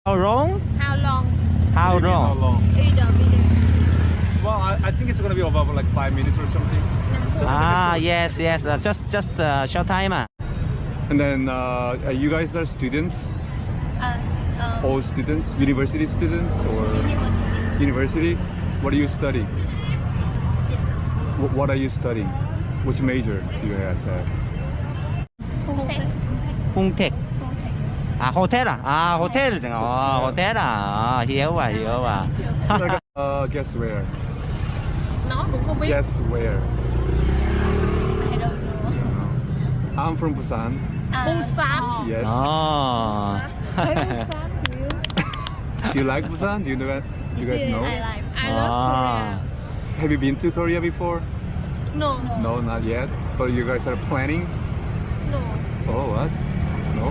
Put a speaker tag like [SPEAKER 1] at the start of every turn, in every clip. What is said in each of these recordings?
[SPEAKER 1] How long?
[SPEAKER 2] How long?
[SPEAKER 1] How
[SPEAKER 3] Maybe how
[SPEAKER 1] long?
[SPEAKER 3] long?
[SPEAKER 2] Either video.
[SPEAKER 3] Well, I think it's gonna be about like 5 minutes or something.
[SPEAKER 1] Ah, yes, yes. Just short time.
[SPEAKER 3] And then you guys are students, all students, university students or university? What do you study? What are you studying? Which major do you guys have?
[SPEAKER 1] 홍택. 아, 호텔. 아, 호텔. 호텔. 아, hiểu à, hiểu à.
[SPEAKER 3] Guess where?
[SPEAKER 2] Nó cũng không biết.
[SPEAKER 3] Guess where?
[SPEAKER 2] I don't know.
[SPEAKER 3] I'm from Busan.
[SPEAKER 2] Busan.
[SPEAKER 3] Yes.
[SPEAKER 1] 어.
[SPEAKER 3] Do you like Busan? Do you know that? Do you guys know?
[SPEAKER 2] I love
[SPEAKER 3] Have you been to Korea before?
[SPEAKER 2] Korea. No.
[SPEAKER 3] No, not yet. But you guys are planning?
[SPEAKER 2] No.
[SPEAKER 3] Oh, what? No?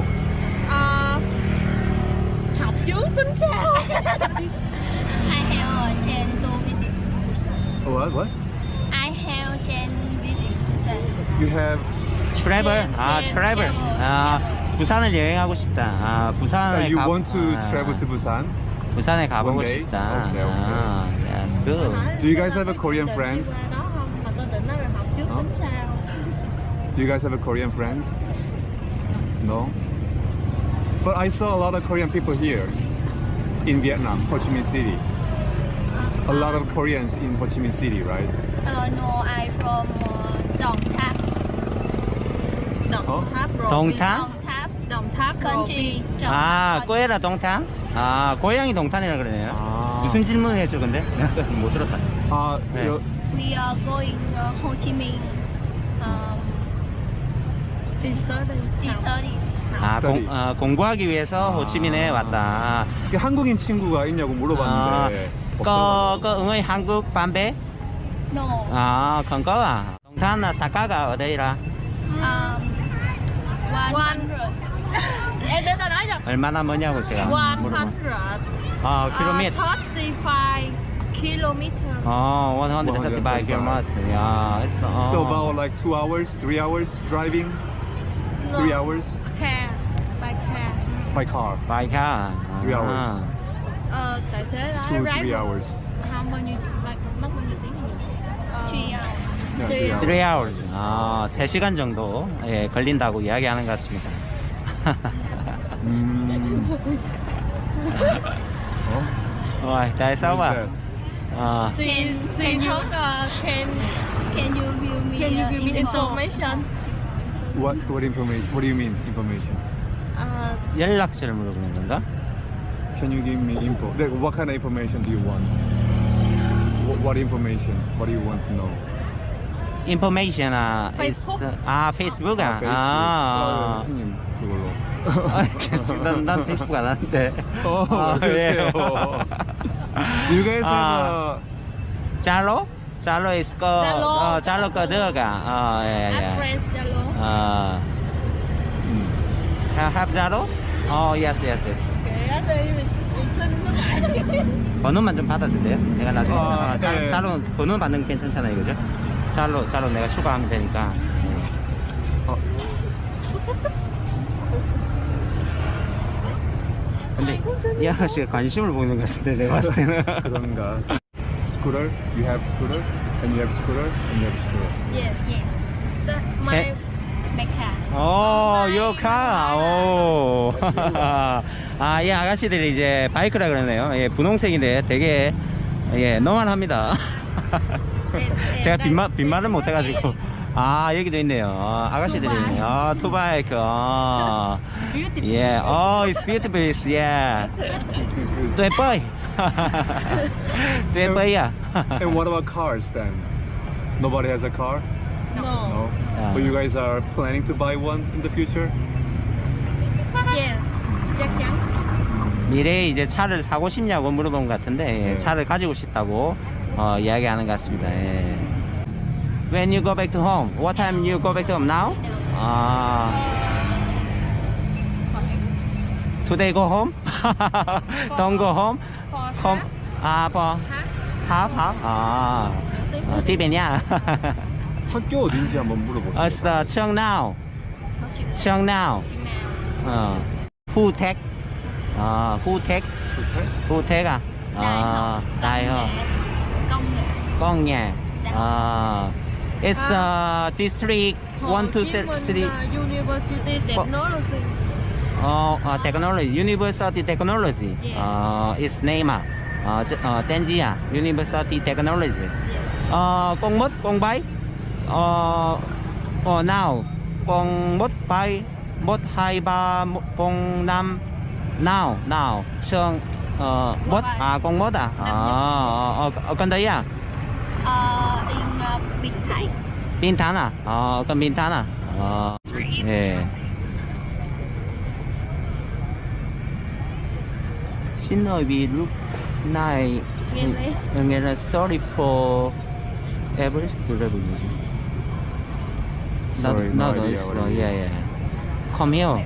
[SPEAKER 2] Học trước tính sao? I have a chance to visit Busan.
[SPEAKER 3] What?
[SPEAKER 2] I have a chance visit Busan.
[SPEAKER 3] You have.
[SPEAKER 1] 트래블. 아,
[SPEAKER 2] 네,
[SPEAKER 1] 트래블. 아, 부산을 여행하고 싶다. 아, 부산에
[SPEAKER 3] You
[SPEAKER 1] 가.
[SPEAKER 3] want to travel to Busan?
[SPEAKER 1] 부산에 가보고
[SPEAKER 3] one day?
[SPEAKER 1] 싶다.
[SPEAKER 3] Okay, okay.
[SPEAKER 1] 아, that's good.
[SPEAKER 3] Do you guys have a Korean friends?
[SPEAKER 2] Mà tôi định nói là học trước tính sao?
[SPEAKER 3] Do you guys have a Korean friends? No? But I saw a lot of Korean people here in Vietnam, Ho Chi Minh City. A lot of Koreans in Ho Chi Minh City, right?
[SPEAKER 2] No, I from Đồng Tháp. Đồng Tháp rồi.
[SPEAKER 1] Đồng Tháp?
[SPEAKER 2] Đồng Tháp country.
[SPEAKER 1] 아, 꼬에라 동탄? 아, 고향이 동탄이라 그러네요.
[SPEAKER 3] 아.
[SPEAKER 1] 무슨 질문을 했죠, 근데? 내가 못 들었다. 네.
[SPEAKER 2] We are going Ho Chi Minh. study.
[SPEAKER 1] 아,
[SPEAKER 3] study.
[SPEAKER 1] 공부하기 위해서 호치민에 왔다.
[SPEAKER 3] 한국인 친구가 있냐고 물어봤는데.
[SPEAKER 1] có người Hàn bạn bè?
[SPEAKER 2] No.
[SPEAKER 1] À, không có à. Đồng Thanh là Sakaga ở đây là
[SPEAKER 2] 100. Em đến tao nói rồi.
[SPEAKER 1] 얼마나 머냐고 제가 물어보면.
[SPEAKER 2] 100.
[SPEAKER 1] 아, 킬로미터.
[SPEAKER 2] 35 kilometer.
[SPEAKER 1] 어, 135 km. 야, 했어.
[SPEAKER 3] So about like 2 hours, 3 hours driving? 3 hours?
[SPEAKER 2] Car. By car.
[SPEAKER 3] By car.
[SPEAKER 1] By car.
[SPEAKER 3] 3 hours.
[SPEAKER 2] Tài xế nói
[SPEAKER 3] 2, 3 hours.
[SPEAKER 2] Không bao nhiêu, mất bao nhiêu tiếng nhỉ? 3 hours.
[SPEAKER 3] Yeah, 3 hours.
[SPEAKER 1] 3 hours. 아, 3시간 정도 예, 걸린다고 이야기하는 것 같습니다. Rồi, tại sao
[SPEAKER 3] Who's
[SPEAKER 1] à?
[SPEAKER 3] that?
[SPEAKER 2] Can you give me information?
[SPEAKER 3] What information? What do you mean information?
[SPEAKER 1] 연락처를 물어보는 건가?
[SPEAKER 3] Can you give me info? Like, what kind of information do you want? What information? What do you want to know?
[SPEAKER 1] Information
[SPEAKER 2] Facebook?
[SPEAKER 1] 페이스북 아.
[SPEAKER 3] Facebook.
[SPEAKER 1] 아.
[SPEAKER 3] 형님 그걸로.
[SPEAKER 1] 난 페이스북 안 하는데.
[SPEAKER 3] 그러세요. Do you guys have
[SPEAKER 1] Zalo? Zalo is có
[SPEAKER 2] Zalo.
[SPEAKER 1] Zalo có được à? Yeah.
[SPEAKER 2] Friends Zalo.
[SPEAKER 1] Have Zalo? Yes.
[SPEAKER 2] Kể đi, mình xin nó lại.
[SPEAKER 1] 번호만 좀 받아주세요. 내가 나중에
[SPEAKER 3] 네.
[SPEAKER 1] 자로 번호 받는 게 괜찮잖아요, 그죠? 자로 내가 추가하면 되니까. 근데 이 아저씨가 관심을 보이는 것 같은데 내가 봤을 때는.
[SPEAKER 3] 그런가? Scooter? You have scooter? And you have scooter? And you have scooter.
[SPEAKER 2] Yes. My car.
[SPEAKER 1] 요카. 오. 아, 이 아가씨들이 이제 바이크라 그러네요. 예, 분홍색인데 되게 예, 노만합니다. 제가 빈말을 못 해가지고. 아, 여기도 있네요. 아가씨들이 있네요. 투바이크. 예, it's beautiful. Yeah. 또 예뻐요. 또 예뻐요.
[SPEAKER 3] And what about cars then? Nobody has a car? No. But you guys are planning to buy one in the future?
[SPEAKER 2] Yeah. chắc chắn.
[SPEAKER 1] 미래에 이제 차를 사고 싶냐고 물어본 것 같은데 예, 차를 가지고 싶다고 이야기하는 것 같습니다. 예. When you go back to home, what time you go back to home now? Today go home? Don't go home? Home? For half? Tiếp bên nha.
[SPEAKER 3] 학교 어딘지 한번 물어보세요.
[SPEAKER 1] It's Cheong Nao. Who take? Who take?
[SPEAKER 3] Okay.
[SPEAKER 1] Who take à? Đại học.
[SPEAKER 2] Công nghệ.
[SPEAKER 1] Con nhà. It's district 1 to 3.
[SPEAKER 4] University Technology.
[SPEAKER 1] Technology. University Technology. Its name tên gì à? University Technology. Con mốt, con bay. Now. Con mốt bay. Mốt 2, 3, con 5. Now. Trường mốt. Con mốt à? Con đấy à?
[SPEAKER 2] In Bình Thạnh.
[SPEAKER 1] Bình Thạnh à? Con Bình Thạnh à? 예. Xin lỗi vì lúc này nghe là sorry for Everest Revolution.
[SPEAKER 3] Sorry, no idea what it is.
[SPEAKER 1] yeah. Come here.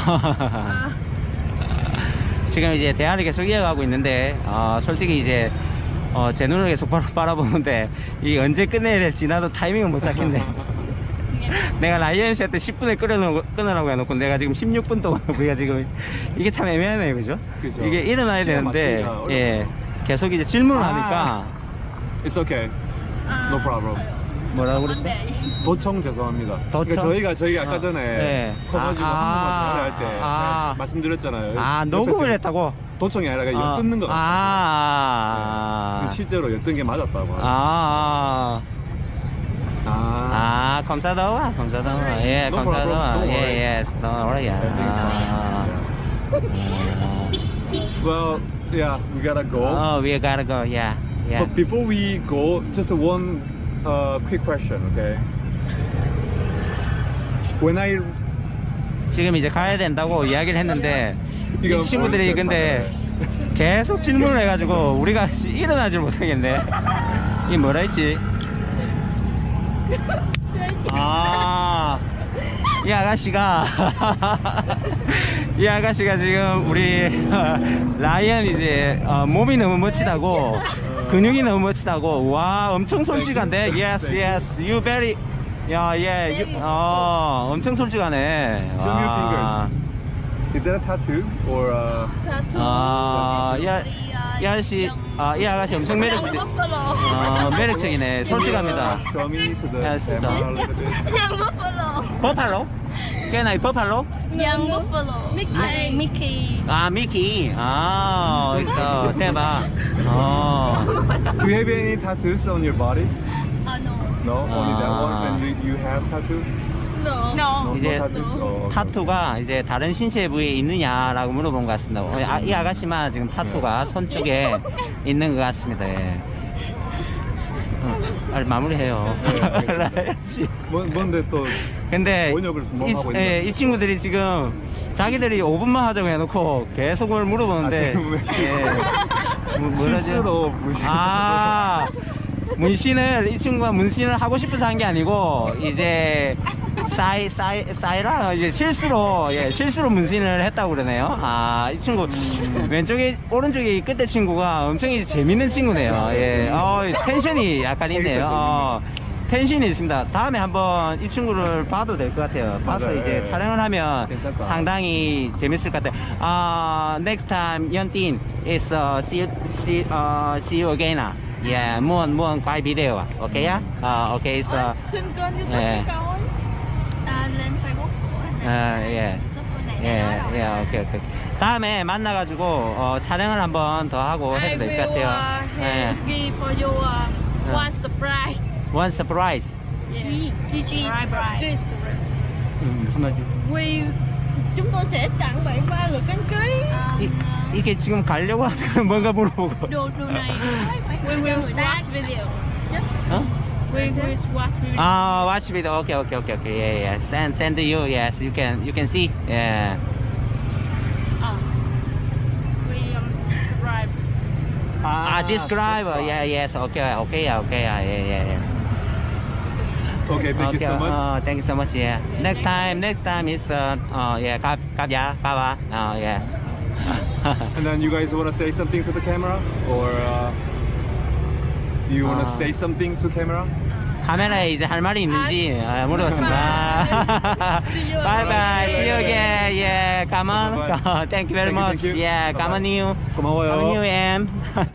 [SPEAKER 1] 지금 이제 대화를 계속 이어가고 있는데 솔직히 이제 제 눈을 계속 바라보는데 이 언제 끝내야 될지 나도 타이밍을 못 잡겠네. 내가 라이언 씨한테 10분에 끊으라고 해놓고 내가 지금 16분 동안 우리가 지금 이게 참 애매하네요, 그죠?
[SPEAKER 3] 그죠.
[SPEAKER 1] 이게 일어나야
[SPEAKER 3] 시간
[SPEAKER 1] 되는데
[SPEAKER 3] 맞추기가
[SPEAKER 1] 예 계속 이제 질문을
[SPEAKER 3] 아.
[SPEAKER 1] 하니까
[SPEAKER 3] It's okay. No problem.
[SPEAKER 1] 뭐라고 그랬어?
[SPEAKER 3] 도청 죄송합니다.
[SPEAKER 1] 도청?
[SPEAKER 3] 그러니까 저희가 아까 전에
[SPEAKER 1] 네.
[SPEAKER 3] 서가지고 한국말 대화할 때 제가 말씀드렸잖아요.
[SPEAKER 1] 녹음을
[SPEAKER 3] 옆에서
[SPEAKER 1] 했다고?
[SPEAKER 3] 도청이 아니라 그냥 엿듣는 거 같아요. 네. 실제로 엿든 게 맞았다고.
[SPEAKER 1] 감사하다. 예,
[SPEAKER 3] No
[SPEAKER 1] 감사하다.
[SPEAKER 3] problem. Don't worry.
[SPEAKER 1] 예, don't worry.
[SPEAKER 3] Well, yeah, we gotta go.
[SPEAKER 1] We gotta go. Yeah.
[SPEAKER 3] But before we go, just one quick question, okay? When I
[SPEAKER 1] 지금 이제 가야 된다고 이야기를 했는데
[SPEAKER 3] 이거
[SPEAKER 1] 이 친구들이
[SPEAKER 3] 뭐
[SPEAKER 1] 근데 계속 질문을 해가지고 우리가 일어나질 못하겠네. 이 뭐라 했지? 이 아가씨가 이 아가씨가 지금 우리 라이언 이제 몸이 너무 멋지다고 근육이 너무 멋지다고 와 엄청 솔직한데 yes you very 엄청 솔직하네.
[SPEAKER 3] Show me your fingers. Is that a tattoo or
[SPEAKER 1] 이 아가씨 엄청 매력적이네. 솔직합니다.
[SPEAKER 3] Show me to the
[SPEAKER 1] Yes,
[SPEAKER 3] camera a little bit.
[SPEAKER 2] Young Buffalo.
[SPEAKER 1] 버팔로? cái này 버팔로?
[SPEAKER 2] Young Buffalo. Mickey.
[SPEAKER 1] 미키. 있어. 대박.
[SPEAKER 3] Do you have any tattoos on your body?
[SPEAKER 2] No.
[SPEAKER 3] No, only that one. And you have tattoos?
[SPEAKER 2] No.
[SPEAKER 3] No,
[SPEAKER 1] 이제
[SPEAKER 3] no tattoos. Oh, okay.
[SPEAKER 1] 타투가 이제 다른 신체 부위에 있느냐라고 물어본 것 같습니다. 이 아가씨만 지금 타투가 손 쪽에 있는 것 같습니다. 예. 빨리 마무리해요.
[SPEAKER 3] 뭔데 또
[SPEAKER 1] 근데
[SPEAKER 3] 번역을 뭐 하고
[SPEAKER 1] 이 친구들이 지금 자기들이 5분만 하자고 해놓고 계속 그걸 물어보는데
[SPEAKER 3] 실수로 무시.
[SPEAKER 1] 문신을 이 친구가 문신을 하고 싶어서 한 게 아니고 이제 사이라 이제 실수로 문신을 했다고 그러네요. 이 친구 왼쪽에 오른쪽에 이 끝에 친구가 엄청 이제 재밌는 친구네요. 예, 텐션이 약간 있네요. 텐션이 있습니다. 다음에 한번 이 친구를 봐도 될 것 같아요. 봐서
[SPEAKER 3] 맞아요.
[SPEAKER 1] 이제
[SPEAKER 3] 예.
[SPEAKER 1] 촬영을 하면
[SPEAKER 3] 괜찮다.
[SPEAKER 1] 상당히 재밌을 것 같아요. Next time Yeontin is see you again. Yeah, muốn quay video à? Ok á? Ok, so
[SPEAKER 4] Xin kênh YouTube
[SPEAKER 1] Yeah.
[SPEAKER 4] cho coi.
[SPEAKER 2] Lên Facebook của anh.
[SPEAKER 1] yeah, okay. 다음에 만나가지고 촬영을 한번 더 하고
[SPEAKER 4] I
[SPEAKER 1] 해도 될 것
[SPEAKER 4] will
[SPEAKER 1] 같아요. 예.
[SPEAKER 4] give for you one surprise.
[SPEAKER 1] One surprise.
[SPEAKER 4] Yeah. Surprise.
[SPEAKER 1] 무슨 말이지?
[SPEAKER 4] Chúng tôi sẽ tặng bạn 3 lượt đăng ký.
[SPEAKER 1] 이게 지금 가려고 하면 뭔가 물어보고.
[SPEAKER 2] Đồ này
[SPEAKER 4] We will
[SPEAKER 2] người ta
[SPEAKER 4] watch video.
[SPEAKER 1] 어?
[SPEAKER 4] We will watch video.
[SPEAKER 1] Watch video. Okay. Yeah. Send to you. Yes, you can see. Yeah.
[SPEAKER 4] We subscribe.
[SPEAKER 1] Describe. Yeah. Yes. Okay. Yeah.
[SPEAKER 3] Okay, thank you so much.
[SPEAKER 1] Thank you so much. Yeah. Next time is cáp giá, yeah.
[SPEAKER 3] And then you guys want to say something to the camera, or do you want to say something to camera?
[SPEAKER 1] 카메라에 이제 할 말이 있는지 물어봤습니다. 바이바이. See you again. Yeah, come on.
[SPEAKER 3] Bye-bye.
[SPEAKER 1] Thank you very
[SPEAKER 3] Thank you,
[SPEAKER 1] much.
[SPEAKER 3] thank you.
[SPEAKER 1] Yeah, come on you.
[SPEAKER 3] 고마워요.
[SPEAKER 1] Come on you, em.